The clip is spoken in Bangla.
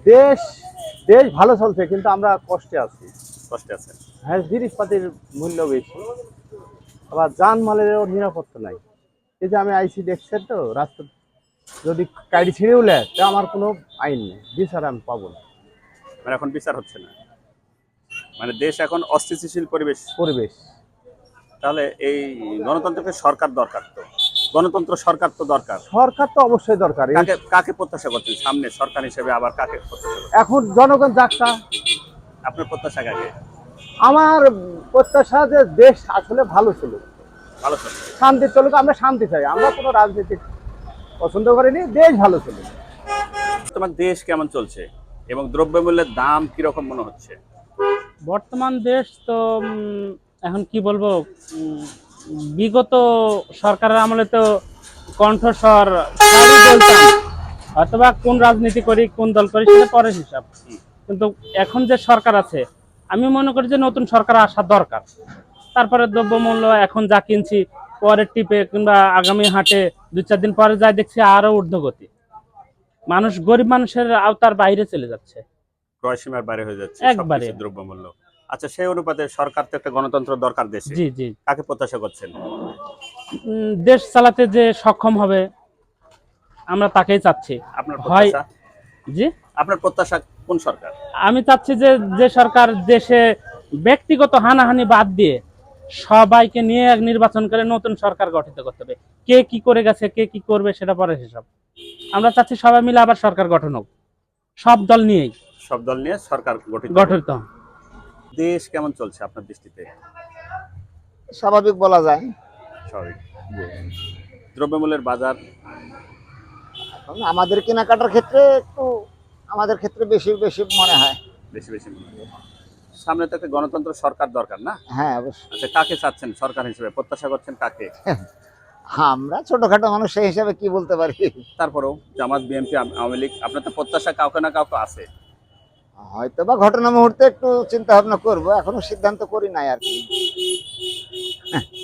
দেশ দেশ ভালো চলছে, কিন্তু আমরা কষ্টে আছি। কষ্টে আছেন? হ্যাঁ, জিনিসপাতির মূল্য বেশি, আবার যানমালেরও নিরাপত্তা নাই। এই যে আমি আইসি, দেখছেন তো রাস্তা যদি গাড়ি ছিঁড়েও নেয়, তা আমার কোনো আইন নেই, বিচার আমি পাবো না। মানে এখন বিচার হচ্ছে না, মানে দেশ এখন অস্থিতিশীল পরিবেশ। পরিবেশ তাহলে এই গণতন্ত্রকে সরকার দরকার তো, গণতন্ত্র সরকার তো দরকার। সরকার তো অবশ্যই দরকার। কাকে কাকে প্রত্যাশা করছেন সামনে সরকার হিসেবে, আবার কাকে প্রত্যাশা করছেন? এখন জনগণ যাকটা। আপনার প্রত্যাশা কাকে? আমার প্রত্যাশা যে দেশ আসলে ভালো চলুক, ভালো চলছে। শান্তি চলুক। আমরা শান্তি চাই, আমরা কোনো রাজনীতি পছন্দ করিনি, দেশ ভালো চলুক। তোমার দেশ কেমন চলছে এবং দ্রব্যমূল্যের দাম কিরকম মনে হচ্ছে? বর্তমান দেশ তো এখন কি বলবো, বিগত সরকারের আমলে তো কণ্ঠস্বর সবই বলতাম, অথবা কোন রাজনীতি করি কোন দল করি সেটা পরের হিসাব। কিন্তু এখন যে সরকার আছে, আমি মনে করি যে নতুন সরকার আসা দরকার। তারপরে দ্রব্যমূল্য এখন যা কিনছি, পরের টিপে কিংবা আগামী হাটে 2-4 দিন পরে যাই দেখছি আরো ঊর্ধ্বগতি। মানুষ, গরিব মানুষের আওতার বাইরে চলে যাচ্ছে ক্রয়সীমার বাইরে হয়ে যাচ্ছে একবারে। সবকিছু দ্রব্যমূল্য। আচ্ছা, সেই অনুপাতে সরকার তো একটা গণতন্ত্র দরকার দেশে, জি জি। কাকে প্রত্যাশা করছেন? দেশ চালাতে যে সক্ষম হবে আমরা তাকেই চাচ্ছি। আপনার হয় প্রত্যাশা? জি, আপনার প্রত্যাশা কোন সরকার? আমি চাচ্ছি যে যে সরকার দেশে ব্যক্তিগত হানাহানি বাদ দিয়ে সবাইকে নিয়ে এক নির্বাচন করে নতুন সরকার গঠিত করতে হবে। কে কি করে গেছে, কে কি করবে সেটা পরের হিসাব। আমরা চাচ্ছি সবাই মিলে আবার সরকার গঠন হোক, সব দল নিয়েই সব দল নিয়ে সরকার গঠিত। গঠিত। দেশ কেমন চলছে আপনার দৃষ্টিতে? স্বাভাবিক বলা যায়। স্বাভাবিক। দ্রব্যমূল্যের বাজার এখন আমাদের কেনাকাটার ক্ষেত্রে একটু, আমাদের ক্ষেত্রে বেশি বেশি মনে হয়। বেশি বেশি মনে হয়। সামনে তো একটা গণতন্ত্র সরকার দরকার না? হ্যাঁ, অবশ্যই। আচ্ছা, কাকে চাচ্ছেন সরকার হিসেবে, প্রত্যাশা করছেন কাকে? আমরা ছোটখাটো মানুষ, সেই হিসাবে কি বলতে পারি। তারপরেও জামাত, বিএনপি, আওয়ামী লীগ, আপনার তো প্রত্যাশা কাউকে না কাউকে আছে। হয়তো বা ঘটনা মুহূর্তে একটু চিন্তা ভাবনা করবো, এখনো সিদ্ধান্ত করি নাই আর কি।